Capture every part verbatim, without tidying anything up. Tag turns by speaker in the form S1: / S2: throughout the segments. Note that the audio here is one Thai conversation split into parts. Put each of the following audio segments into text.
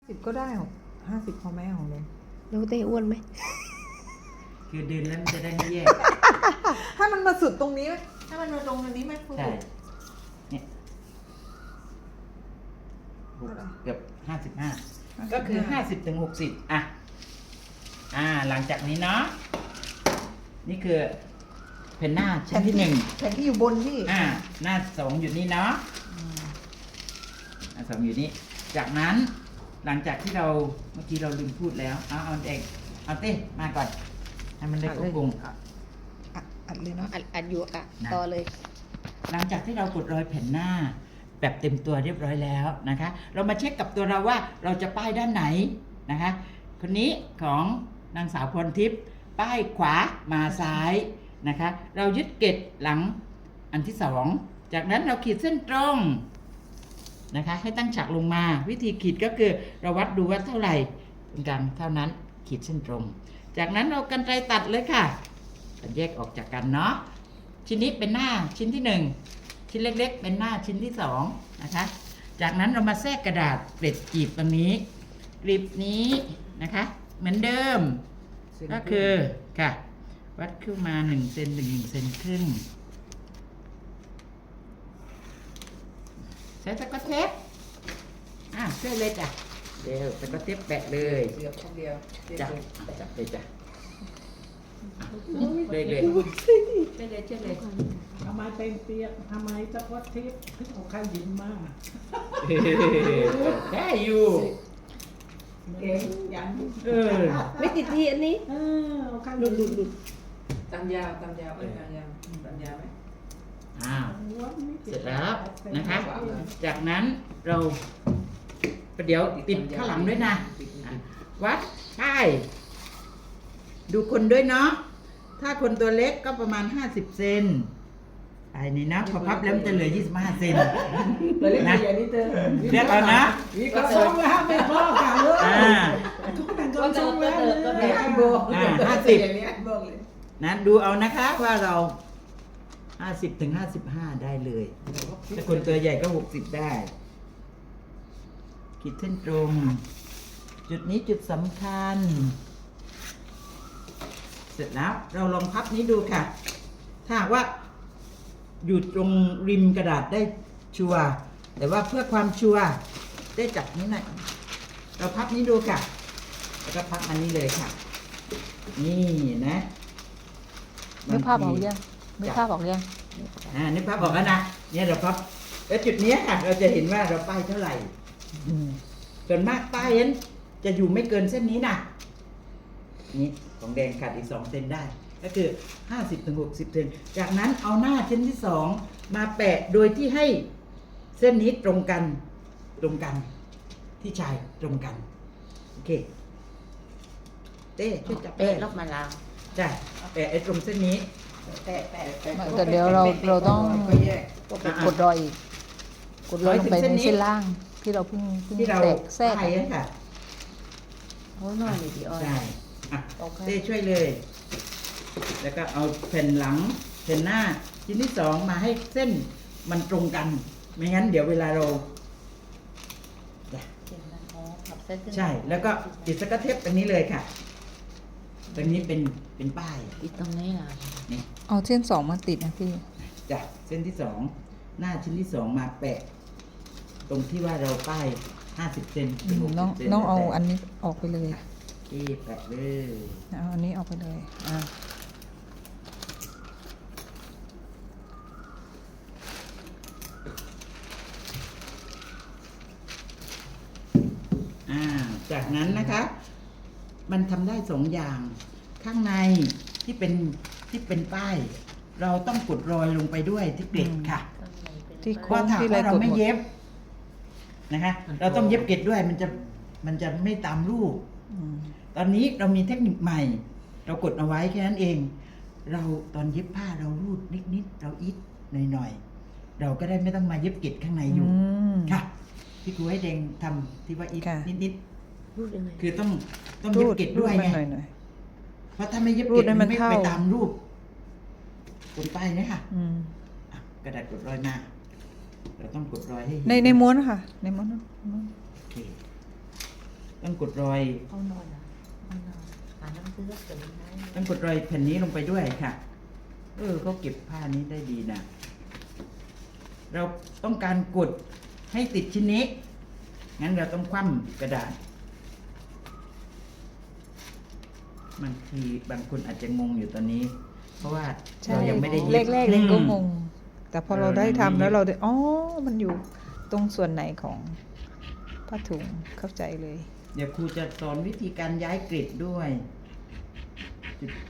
S1: สิบก็ได้หรอกห้าสิบพอไหมของเลย
S2: แล้วเต้อ้วนไหม
S3: คือเดินแล้วมันจะได้ไม่แยก
S1: ให้มันมาสุดตรงนี้ไหมให้มันมาตรงตรงนี้ไหมครู
S3: ใช่เนี่ยหกเกือบห้าสิบห้าก็คือห้าสิบถึงหกสิบอ่ะอ่า หลังจากนี้เนาะนี่คือเพนหน้าชิ้นที่หนึ่ง
S1: แผ่นที่อยู่บนพี่
S3: อ่า หน้าสองอยู่นี่เนาะหน้าสองอยู่นี่จากนั้นหลังจากที่เราเมื่อกี้เราลืมพูดแล้วเอาเอาเด็กเอาเต้มาก่อนให้มันได้
S1: อัด
S3: คร
S1: เล
S3: บ
S1: ยว
S3: ง
S1: อ่ะอ่ะอัดเลยเนาะ
S2: อัดอัดอยู่อ่ะ
S3: นะ
S2: ต่อเลย
S3: หลังจากที่เรากดรอยแผ่นหน้าแบบเต็มตัวเรียบร้อยแล้วนะคะ เรามาเช็คกับตัวเราว่าเราจะป้ายด้านไหนนะคะ คนนี้ของนางสาวพรทิพย์ป้ายขวามาซ้ายนะคะ เรายึดเกล็ดหลังอันที่สองจากนั้นเราขีดเส้นตรงนะคะ ให้ตั้งฉากลงมาวิธีขีดก็คือเราวัดดูว่าเท่าไหร่เป็นกลางเท่านั้นขีดเส้นตรง จากนั้นเรากรรไกรตัดเลยค่ะแยกออกจากกันเนาะชิ้นนี้เป็นหน้าชิ้นที่หนึ่งชิ้นเล็กๆเป็นหน้าชิ้นที่สองนะคะจากนั้นเรามาแทรกกระดาษเกล็ดกลีบตรงนี้กลีบนี้นะคะเหมือนเดิมก็คือค่ะวัดขึ้นมาหนึ่งเซนหนึ่งเซนครึ่งใช้ตะกร้อเทปอ่ะเชื่อเลยจ้ะเดี๋ยวตะกร้อเทปแปะเลย
S1: เดียวคนเดียว
S3: จ้ะจับเลยจ้ะเลยเลยเชื่อเลยเชื่อเลย
S4: ทำไมเป็นเปียกทำไมตะพดทิพย์ถึงเอาข้าวยินมาก
S3: ได้อยู่
S4: เก่งยัน
S3: เออ
S2: ไม่ติดทีอันนี้
S4: เออเอาข้าวหลุดหลุดหลุด
S1: ตามยาวตามยาวเอ้ยตามยาวตามยาวไหม
S3: อ้าวเสร็จแล้วนะคะ จากนั้นเราประเดี๋ยวติดข้างหลังด้วยนะอ่ะวัดป้ายดูคนด้วยเนาะถ้าคนตัวเล็กก็ประมาณห้าสิบเซนไอ้นี่นะพอพับแล้วมันจะเหลือยี่สิบห้าเซน
S1: ตัวเล็ก
S3: นะ
S1: ใหญ่นี่เธอ
S3: เรียกเอานะ
S4: นี่ก็ส่งแล้วไม่พอค่ะเลย
S3: อ่า
S4: ทุกคนก็ส่งแล้วเลย
S1: ก็ได้โบ
S3: อ่าห้าสิบ
S1: อย่างนี้บอกเลย
S3: นะดูเอานะคะว่าเราห้าสิบถึงห้าสิบห้าได้เลยถ้าคนตัวใหญ่ก็หกสิบได้ขีดเส้นตรง จุดนี้จุดสำคัญ เสร็จแล้วเราลองพับนี้ดูค่ะ ถ้าหากว่าอยู่ตรงริมกระดาษได้ชัวร์แต่ว่าเพื่อความชัวร์ได้จับนี้หน่อยเราพับนี้ดูค่ะ แล้วก็พับอันนี้เลยค่ะ นี่นะ
S5: นึกภาพออกยังนึกภาพออกยัง
S3: อ่านึกภาพออกแล้วนะเนี่ยเราพับแล้วจุดเนี้ยค่ะ เราจะเห็นว่าเราป้ายเท่าไหร่
S5: อืม
S3: ส่วนมากป้ายนั้นจะอยู่ไม่เกินเส้นนี้นะนี่ของแดงขาดอีกสองเซนได้ ก็คือห้าสิบถึงหกสิบเซนจากนั้นเอาหน้าชิ้นที่สองมาแปะโดยที่ให้เส้นนี้ตรงกัน ตรงกัน ที่ชายตรงกันโอเคเต้ช่วยจับ
S2: เป๊ะรอบมาลาว
S3: จ้ะแปะไอ้ตรงเส้นนี้
S1: แปะแปะแปะ
S5: แต่เดี๋ยวเราเราต้อง
S1: ก็แยก
S5: กดรอยอีก กดรอยลงไปในเส้นล่าง ที่เราเพิ่งเพิ่ง
S3: ที่เรา
S5: แตกแทรก
S3: ป้ายนั่นค่ะ
S2: โอ้ยน้อยเลยพี่อ้อย
S3: ใช่อ่ะ
S2: โอเค
S3: เต้ช่วยเลย แล้วก็เอาแผ่นหลังแผ่นหน้าชิ้นที่สองมาให้เส้นมันตรงกัน ไม่งั้นเดี๋ยวเวลาเราจ้ะ
S2: เจ็บนะอ๋อขับเส้นขึ้น
S3: ใช่ แล้วก็ติดสกัดเทปตรงนี้เลยค่ะ ตรงนี้เป็นเป็นป้าย
S2: อีกตรงนี้ล่ะ
S3: นี่
S5: เอาเส้นสองมาติดนะพี่
S3: จ้ะเส้นที่สองหน้าชิ้นที่สองมาแปะ ตรงที่ว่าเราป้ายห้าสิบเซนถึงหก
S5: น้อง
S3: สิบเซน
S5: น้องเอา
S3: แล้วแต่
S5: อันนี้ออกไปเลย
S3: ที่แปะเลย
S5: เอาอันนี้ออกไปเลยอ่า
S3: อ่าจากนั้นนะคะ มันทำได้สองอย่าง ข้างในที่เป็นที่เป็นป้าย เราต้องกดรอยลงไปด้วยที่เกล็ดค่ะ
S5: ที่
S3: เพ
S5: โค้
S3: ราะ
S5: ง
S3: ถ้า
S5: ที่อะไร
S3: ว่าเรา
S5: กด
S3: ไม่
S5: หมด
S3: เย็บนะคะ เราต้องเย็บเกล็ดด้วยมันจะมันจะไม่ตามรูป
S5: อืม
S3: ตอนนี้เรามีเทคนิคใหม่ เรากดเอาไว้แค่นั้นเอง เราตอนเย็บผ้าเรารูดนิดๆเราอิดหน่อยๆเราก็ได้ไม่ต้องมาเย็บเกล็ดข้างในอยู่
S5: อืม
S3: ค่ะพี่ครูให้แดงทำที่ว่าอิด
S5: ค่ะ
S3: นิด
S2: รูดยังไง
S3: ๆคือต้องต้องเย็บเกล็ดด้วย
S5: รู
S3: ไง
S5: มันหน่อยหน่อย
S3: เพราะถ้าไม่เย็บ
S5: รู
S3: เกล็
S5: ด
S3: ด
S5: ให้
S3: มั
S5: มัน น
S3: ไม่
S5: เข้า
S3: ไปตามรูปกดป้ายเนยคะ
S5: อืม
S3: อ่ะกระดาษกดรอยมาเราต้องกดรอยให้เห็
S5: ในในม้วนค่ะ ในม้วนนะม้วน
S3: โอเคต้องกดรอย
S2: เอานอนอ่ะเอานอนอ่านหนังสือก็ตื่นได้
S3: ต้องกดรอยแผ่นนี้ลงไปด้วยค่ะ เออเขาเก็บผ้านี้ได้ดีนะ เราต้องการกดให้ติดชิ้นนี้ งั้นเราต้องคว่ำกระดาษ บางทีบางคนอาจจะงงอยู่ตอนนี้ เพราะว่า
S5: ใช่
S3: เรายังไม่ได้เย็บ
S5: แรกๆเล่นก็ง
S3: อืม
S5: ง แต่พอ
S3: เออ
S5: เราได้
S3: มัน
S5: ทำ
S3: มี
S5: แล้วเราได้อ๋อมันอยู่ตรงส่วนไหนของผ้าถุงเข้าใจเลย
S3: เดี๋ยวครูจะสอนวิธีการย้ายกริดด้วยจุด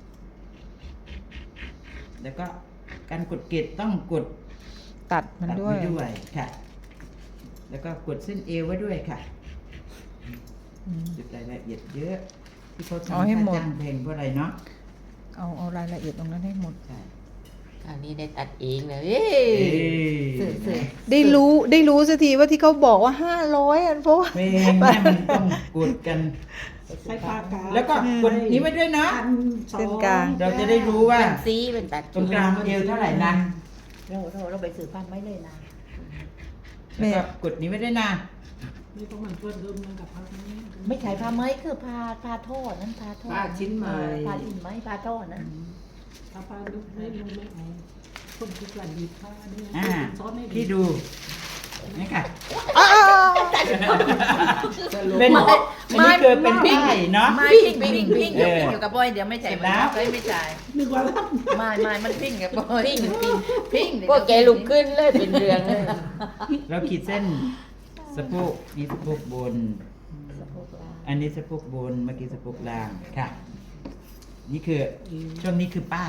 S3: แล้วก็การกดกริดต้องกด
S5: ตัดมัน
S3: ตัด
S5: ด้วย
S3: ไว้ด้วยค่ะ แล้วก็กดเส้นเอวไว้ด้วยค่ะ
S5: อืม
S3: จุดรายละเอียดเยอะ ที่เขา
S5: เอา
S3: ทำ
S5: ให้
S3: ค่า
S5: หมด
S3: จ้างแพงเพราะอะไรเนาะ
S5: เอาเอารายละเอียดตรงนั้นให้หมด
S3: ใช่
S2: อันนี้ได้ตัดเองเลยเอ้ย
S3: เอ้ย
S2: สื่อสื่อ
S5: ได้รู้ได้รู้สักทีว่าที่เขาบอกว่าห้าร้อยอันเพราะว่า
S3: เพลงเนี่ยมันต้องกดกัน
S4: ใช้ปากกา
S3: แล้วก็กดนี้ไว้ด้วยเนาะ
S4: อันสอง
S5: เส้นกลาง
S3: เราจะได้รู้ว่า
S2: เป็นซีเป็นตัด
S3: ตรงกลางเอวเท่าไหร่นะ
S2: เราเราเราไปสื่อผ้าไม่เลยนะ
S3: แล้วก็กดนี้ไว้ด้วยนะ
S4: นี่ต้องมันเพื่อนเดิมมันกับพักนี้
S2: ไม่ใช่ผ้าไหมคือผ้าผ้าทอดนั่นผ้าทอด
S1: ผ้าชิ้นไหม
S2: เออผ้าชิ้นไหมผ้าทอดนั่น
S4: ถ้าปลาลึกไม่ลงไม่เอาคนที่กลั่นดีผ้าเนี่ย
S3: อ่า
S4: ซ้อนให้ดี
S3: พี่ดูนี่ค่ะ
S5: อ้าว
S3: เป็นอันนี้คือเป็นป้ายเนาะ
S2: ไม่พิงพิงพิง
S3: เออ
S2: อยู่กับบอยเดี๋ยวไม่ใช่
S3: เสร็จแล้ว
S2: เฮ้ยไม่ใช่
S4: นึกว่ารับ
S2: ไม่ไม่มันพิงกับบอยพิงพิงพิงก็แกลุกขึ้นเลยเป็นเรืองเลย
S3: เราขีดเส้นสะโพกนี่สะโพกบน อันนี้สะโพกบนเมื่อกี้สะโพกล่างค่ะ นี่คือช่วงนี้คือป้าย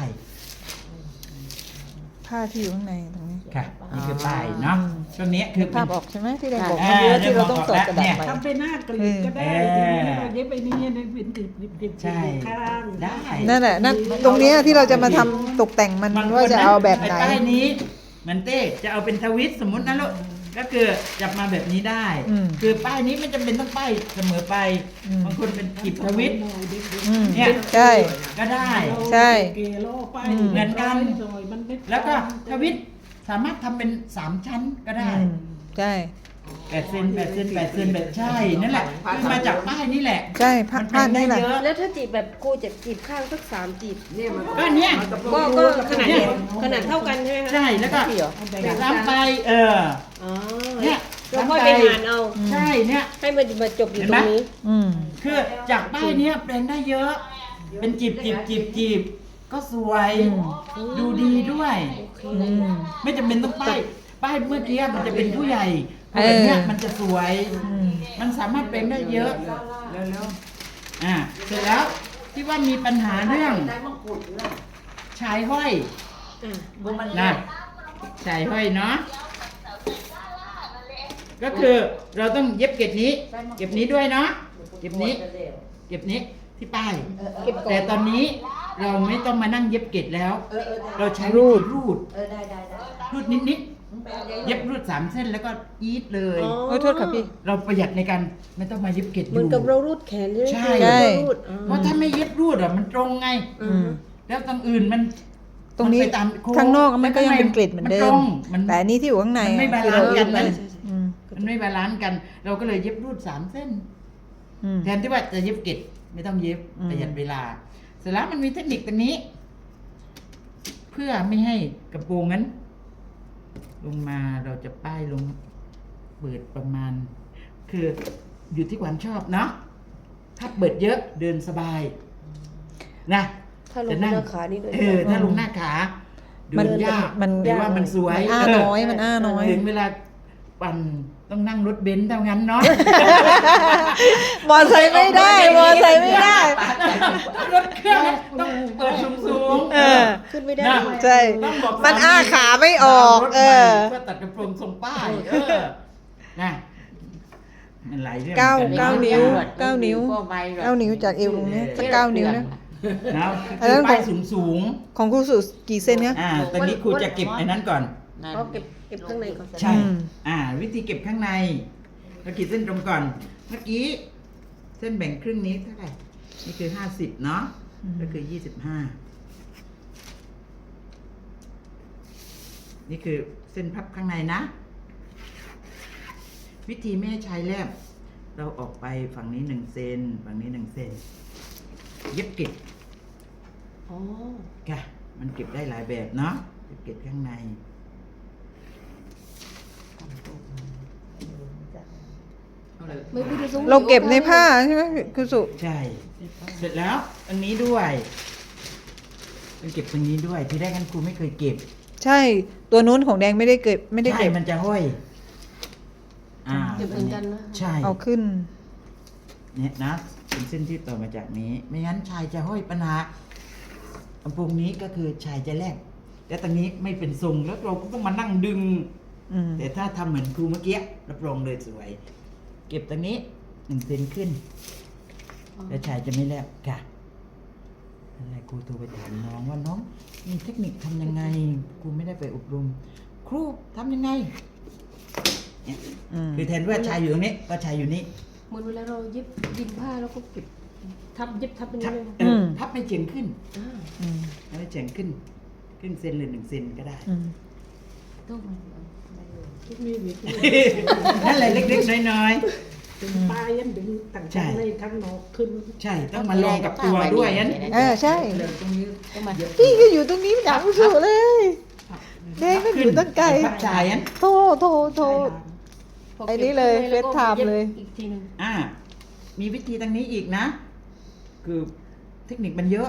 S5: ผ้าที่อยู่ข้างในตรงนี้
S3: ค่ะ นี่คือป้ายเนาะช่วงนี้คือ
S5: ภาพออกใช่ไหมที่เราบอก
S3: อ่า
S5: ว่าเยอะที่เราต้องสอดกระดาษ
S3: เนี่ย
S5: ไป
S4: ทำเป็นหน้ากรีดก็ได้
S3: เออ
S4: เราเย็บไปนี่ในเป็นดิบดิบดิบ
S3: ใช่
S4: ข้าง
S3: ได้
S5: นั่นแหละนั่นตรงเนี้ยที่เราจะมาทำตกแต่งมัน
S3: บงคน
S5: ว่าจะเอาแบบไหน
S3: อ้ป้ายนี้เหมันเต้จะเอาเป็นทวิตสมมตินะลูกก็คือจับมาแบบนี้ได้
S5: อืม
S3: คือป้ายนี้ไม่จำเป็นต้องป้ายเสมอไป
S5: อืม
S3: บางคนเป็นกีบทวิต
S5: อืม
S3: เนี่ย
S5: ใช่
S3: ก็ได้
S5: ใช่
S4: เกโลไป
S5: อืม
S3: เหมือนกัน
S4: หน่อยมันไม่
S3: แล้วก็ทวิตสามารถทำเป็นสามชั้นก็ได้
S5: อืมใช่
S3: แปดเซนแปดเซนแปดเซนแบบใช่นั่นแหละคือมาจากป้ายนี่แหละ
S5: ใช่ผ้า
S3: มัน
S5: ผ้า
S3: เป็นได้
S5: นี่แหละ
S3: เยอะ
S6: แล้วถ้าจีบแบบครูจะจีบข้างสักสามจีบ
S1: เนี่ยมัน
S3: ก็เนี่ย
S6: ก็ก็ขนาดเดียวขนาดเท่ากันใช่ไหมคะ
S3: ใช่แล้วก็ตามไปเออ
S6: อ๋อ
S3: เนี่ย
S6: เราค่อยไปหารเอา
S3: ใช่เนี่ย
S6: ให้มันมาจบอยู่ตรงนี้
S5: อืม
S3: คือจากป้ายเนี้ยแปลงได้เยอะ เป็นจีบจีบจีบจีบก็สวย ดูดีด้วย
S5: อืม
S3: ไม่จำเป็นต้องป้ายป้ายเมื่อกี้มันจะเป็นผู้ใหญ่
S5: เออ
S3: แบบเนี้ยมันจะสวย
S5: อืม
S3: มันสามารถเป็นได้เยอะอ่าเสร็จแล้วที่ว่ามีปัญหาเรื่องชายห้อย
S6: อ่ะ
S2: บุมัน
S3: นะชายห้อยเนาะก็คือเราต้องเย็บเก็บนี้ เก็บนี้ด้วยเนาะเก็บนี้ เก็บนี้ที่ป้าย
S6: เก็บก่อน
S3: แต่ตอนนี้เราไม่ต้องมานั่งเย็บเกล็ดแล้ว เราใช้
S5: รู
S3: วิ
S5: ด
S3: ธีรูด
S2: เออได้ได้ได้
S3: รูดนิดๆ เย็บรูดสามเส้นแล้วก็อีทเลย
S6: อ๋อ
S5: โอ้ยโทษค่ะพี่
S3: เราประหยัดในการไม่ต้องมาเย็บเกล็ดอ
S6: เหมือน
S3: ยู่
S6: กับเรารูดแขนใช่ไหม
S3: ใช่
S6: คือ
S5: ใช่
S6: เรารูดอ๋อ
S3: เพราะถ้าไม่เย็บรูดอ่ะมันตรงไง
S6: อื
S5: อื
S6: ม
S5: ม
S3: แล้วตรงอื่นมัน
S5: ตรงนี้
S3: มัไปตามโค้
S5: ข้างนอกมันก็ยังเป็นกริดเหมือนเดิ
S3: ตร
S5: ม
S3: งมัน
S5: แต่อันนี้ที่อยู่ข้างใน
S3: มันไม่
S5: อะ
S3: บา
S5: ที่
S3: ลา
S5: เรา
S3: นซ์
S5: เย็
S3: กับ น
S5: ไป
S3: นะ
S5: อืม
S3: มันไม่บาลานซ์กัน เราก็เลยเย็บรูดสามเส้น
S5: อืม
S3: แทนที่ว่าจะเย็บเกล็ดไม่ต้องเย็บ
S5: อืม
S3: ประหยัดเวลา เสร็จแล้วมันมีเทคนิคตรงนี้ เพื่อไม่ให้กระโปรงนั้น ลงมาเราจะป้ายลงเปิดประมาณ คืออยู่ที่ความชอบเนาะถ้าเปิดเยอะเดินสบาย นะ
S6: ถ้าลง
S3: จะ
S6: ห
S3: นั่ง
S6: น้าขานี่ด้วย
S3: เออ ถ้าลงหน้าขาเดิ
S5: มัน
S3: นยาก
S5: มัน
S3: แต่ว่ามันสวย
S5: มันอ้า
S3: เ
S5: น้อยมันอ้าน้อย
S3: ถึงเวลาปั่นต้องนั่งรถเบนซ์เท่านั้นเนาะ
S5: มอไซค์ไม่ได้ มอไซค์ไม่ได้
S3: รถเครื่องต้องเปิดสูงๆ
S5: เออ
S6: ขึ้นไม่ได้
S3: นะ
S6: ด้วย
S5: ใช่
S3: ต้องบอก
S5: มันอ้าขาไม่ออก เออ
S3: เพื่อตัดกระโปรงทรงป้าย เออนะมันหลายเรื่อง
S5: เก้า
S3: หมือนน
S5: เก้านิ้ว
S3: นะ
S5: เก้านิ้ว
S2: ก็ใบหรอ
S5: เก้านิ้วจากเอวตรงนี้สักเก้านิ้วนะ
S3: นะ
S5: อันนั้น
S3: คือป้ายสูงสูง
S5: ของครูสุกี่เซนเนี่ย
S3: ๆอ่าตอนนี้ครูจะเก็บไอ้นั้นก่อน
S6: ก็เก็บเก็บข้างในก่อน
S3: ใช่
S5: อืม
S3: อ่า วิธีเก็บข้างในเราขีดเส้นตรงก่อน เมื่อกี้ เส้นแบ่งครึ่งนี้เท่าไหร่ นี่คือห้าสิบเนาะ ก็คือยี่สิบห้า นี่คือเส้นพับข้างในนะ วิธีไม่ให้ใช้แลบเราออกไปฝั่งนี้หนึ่งเซนฝั่งนี้หนึ่งเซนเย็บเก็บ
S6: อ๋อ
S3: ค่ะ มันเก็บได้หลายแบบเนาะเย็บเก็บข้างใน
S6: ไม่ไม่ได้ส่ง
S5: เราเก็บในผ้าใช่ไหมคุณสุ
S3: ใช่ เสร็จแล้วอันนี้ด้วยมันเก็บตรงนี้ด้วย ที่แรกกันครูไม่เคยเก็บ
S5: ใช่ ตัวนู้นของแดงไม่ได้เก็บไม่ได้
S3: ใช่
S5: เก็บ
S3: มันจะห้อย อ่า
S6: เก็บเหมือนกันนะ
S3: ใช่
S5: เอาขึ้น
S3: เนี่ยนะเป็นเส้นที่ต่อมาจากนี้ ไม่งั้นชายจะห้อยปัญหาลำโพงนี้ก็คือชายจะแลกแต่ตรงนี้ไม่เป็นทรงแล้วเราก็ต้องมานั่งดึง
S5: อืม
S3: แต่ถ้าทำเหมือนครูเมื่อกี้รับรองเลยสวย เก็บตรงนี้หนึ่งเซนขึ้น แล้วชายจะไม่แลบค่ะอะไรครูโทรไปถามน้องว่าน้องมีเทคนิคทำยังไงครูไม่ได้ไปอบรม ครูทำยังไงเนี่ย
S5: อืม
S3: คือแทนว่าชายอยู่ตรงนี้ก็ชายอยู่นี่
S6: เหมือนเวลาเราเย็บยิงผ้าแล้วก็เก็บทับเย็บทับเป็น
S3: ทับ
S6: ยังไง
S3: เออพับไม่เฉียงขึ้น
S6: อ่า
S5: อืม
S3: ให้เฉียงขึ้นครึ่งเซนหรือหนึ่งเซนก็ได้
S5: อืม
S2: ต้อง
S4: มีวิธี
S3: นั่นแหละเล็กๆน้อย
S4: ดึงปลายยันดึงต่าง
S3: ใช่
S4: ๆในข้างนอกขึ้น
S3: ๆใช่ต้องมาลองกับตัวด้วยนั้น
S5: เออใช่
S2: ตรงนี้ต้องมา
S5: พี่ก็อยู่ตรงนี้ไม่อยากคุณสุเลยแดงก็อยู่ตั้งไกล
S3: พับชายนั้น
S5: โทรโทรโทร
S6: พก็บ
S5: ไอ้นี่เลย
S6: ข้างในแวก็
S5: FaceTime เลย
S6: อีกทีหนึง
S3: อ่า มีวิธีทางนี้อีกนะ คือเทคนิคมันเยอะ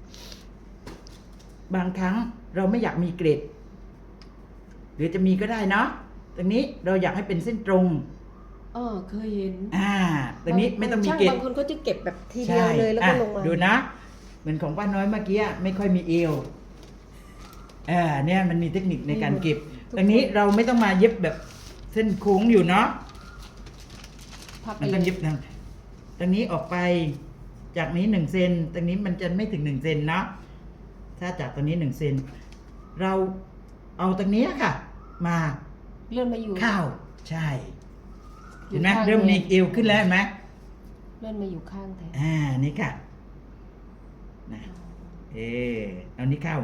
S3: บางครั้งเราไม่อยากมีเกรด หรือจะมีก็ได้เนาะตรงนี้เราอยากให้เป็นเส้นตรง
S6: อ๋อเคยเห็น
S3: อ่า ตรงนี้ไม่ต้องมีเกรด
S6: บางคนก็จะเก็บแบบทีเดียวเลยแล้วก็
S3: อ่ะ
S6: ลงมา
S3: ดูนะ เหมือนของป้าน้อยเมื่อกี้ไม่ค่อยมีเอวอ่าเนี่ยมันมีเทคนิคในการเก็บ ตรงนี้เราไม่ต้องมาเย็บแบบเส้นโค้งอยู่เนาะ
S6: พับไป
S3: มัน
S6: เล
S3: ต้อง
S6: ย
S3: เย็บทางตรงนี้ออกไป จากนี้หนึ่งเซน ตรงนี้มันจะไม่ถึงหนึ่งเซนเนาะ ถ้าจากตรงนี้หนึ่งเซน เราเอาตรงนี้ค่ะ มา
S6: เลื่อนมาอยู่
S3: เข้าใช่
S6: อยู่
S3: เห็นไหม
S6: ข้าง
S3: เริ่มมี
S6: เลย
S3: เอวขึ้นแล้วเห็นไหม
S6: เลื่อนมาอยู่ข้างแทน
S3: อ่า นี่ค่ะนะเออเอานี้เข้า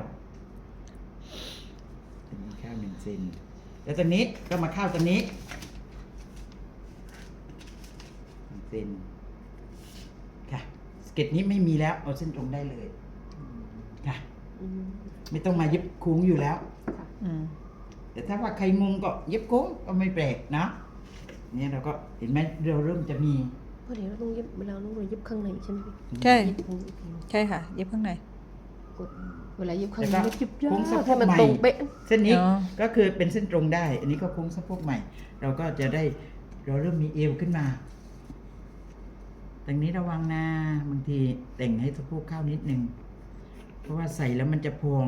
S3: อันนี้เข้าหนึ่งเซน แล้วตรงนี้ก็มาเข้าตรงนี้หนึ่งเซน ค่ะสเก็ตนี้ไม่มีแล้วเอาเส้นตรงได้เลย ค่ะ
S6: อืม
S3: ไม่ต้องมาเย็บโค้งอยู่แล้ว
S5: อืม
S3: แต่ถ้าว่าใครงงก็เย็บโค้งก็ไม่แปลกนะเนี่ยเราก็เห็นไหมเราเริ่มจะมี
S6: เพราะเดี๋ยวเราต้องเย็บเวลาเราต้องเย็บข้างในใช่ไหมพี่
S5: ใช่
S6: เย็บตรงนี้อีกทีหนึ่ง
S5: ใช่ค่ะ เย็บข้างใน
S6: กดเวลาเย็บข้างใน
S3: แล้วก็
S6: ไม่เย็บยา
S3: โค้งสะ
S6: ก
S3: โพ
S6: ให้
S3: ก
S6: มัน
S3: ใหม่
S6: ตรงเป๊ะ
S3: เส้นนี้
S5: อ๋อ
S3: ก็คือเป็นเส้นตรงได้ อันนี้ก็โค้งสะโพกใหม่ เราก็จะได้เราเริ่มมีเอวขึ้นมาตรงนี้ระวังนะบางทีแต่งให้สะโพกเข้านิดนึงเพราะว่าใส่แล้วมันจะพอง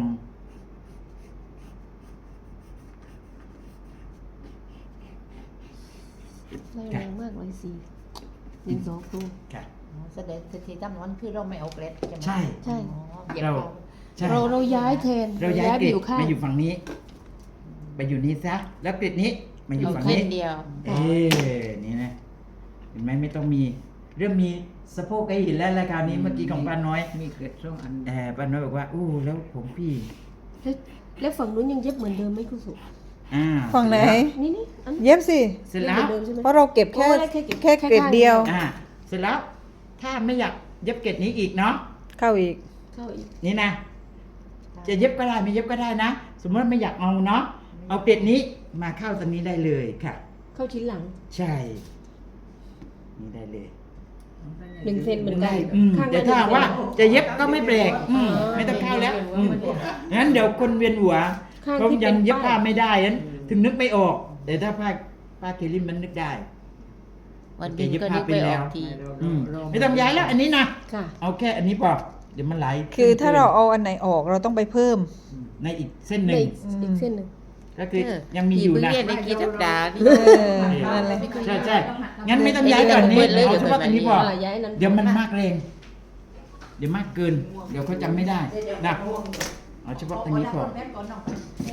S6: ได้แรงมากเลยสิหนึ่งสองตัว
S3: ค่ะ
S2: แสดงสถิติตั้งนั้นคือเราไม่เอาเกรดใช่ไหม
S3: ใช่
S6: ใช่
S2: อ๋อเหยียบ
S3: เรา
S2: เอา
S3: ใช่
S6: เราเราย้ายแทน
S3: เราย้ายเกร
S6: ไป
S3: ด
S6: อยู่ข้าง
S3: มาอยู่ฝั่งนี้ ไปอยู่นี้ซะ แล้วเกรดนี้มาอยู่
S2: เอา
S3: ฝั่ง
S2: แค่
S3: นี้
S2: เดียว
S3: เอ๊นี่นะ เห็นไหมไม่ต้องมี เริ่มมีสะโพกให้เห็นแล้วรายการนี้เมื่อกี้ของป้าน้อย
S4: มีเกิดช่วงอัน
S3: แอบป้าน้อยบอกว่าอู้แล้วผมพี่
S6: แล้วแล้วฝั่งนู้นยังเย็บเหมือนเดิมไหมคุณสุ
S3: อ่า
S5: ฝั่งไหน
S6: นี่นี่อัน
S5: เย็บสิ
S3: เสร็จ
S6: เย็บ
S3: แล้
S6: เหมื
S3: ว
S6: อนเดิมใช่ไหม
S5: เพราะเราเก็บแค่
S6: โอ้ยแค่เก็บ
S5: แค่
S6: แค่
S5: เกรด
S6: ข้าง
S5: เดียว
S3: อ่า เสร็จแล้ว ถ้าไม่อยากเย็บเกรดนี้อีกเนาะ
S5: เข้าอีก
S6: เข้าอีก
S3: นี่นะ จะเย็บก็ได้ไม่เย็บก็ได้นะ สมมติว่าไม่อยากเอาเนาะ เอาเกรดนี้มาเข้าตรงนี้ได้เลยค่ะ
S6: เข้าชิ้นหลัง
S3: ใช่ นี่ได้เลย
S6: หนึ่งเซนเหมือนกัน
S3: อืม
S6: ข้างละ
S3: แต่ถ้า
S6: หนึ่งเซน
S3: ว่าจะเย็บก็ไม่แปลกอืมไม่ต้องเข้าแล้วอืมงั้นเดี๋ยวคนเวียนหัว
S6: ข้าง
S3: เขา
S6: ที่
S3: ยั
S6: เป็
S3: ง
S6: น
S3: เย็บผ้า
S6: ป้าย
S3: ไม่ได้นั้นถึงนึกไม่ออก แต่ถ้าผ้าผ้าเคลิมมันนึกได้
S2: วันบินก็นึกไปออกที
S3: อืมไม่ต้องย้ายแล้วอันนี้นะ
S6: ค่ะ
S3: เอาแค่อันนี้พอเดี๋ยวมันไหล
S5: คือถ้าเราเอาอันไหนออกเราต้องไปเพิ่ม
S3: ในอีกเส้นห
S6: ใน
S3: นึ่ง
S6: อีกอีกเส้นหนึ่ง
S3: ก็คือยังมีอยู่นะ
S2: เรียนในกีสัปดาห์นี่
S5: เออนั่นแหละ
S3: ใช่ใช่งั้นไม่ต้องย้ายก่อนนี้
S2: เดี๋ยว
S3: เอาเฉพาะอันนี้พอ
S6: อ่าย้ายนั้น
S3: เดี๋ยวมันมากแรง เดี๋ยวมากเกิน เดี๋ยวเขาจำไม่ได้นะเอาเฉพาะตรงนี้พอ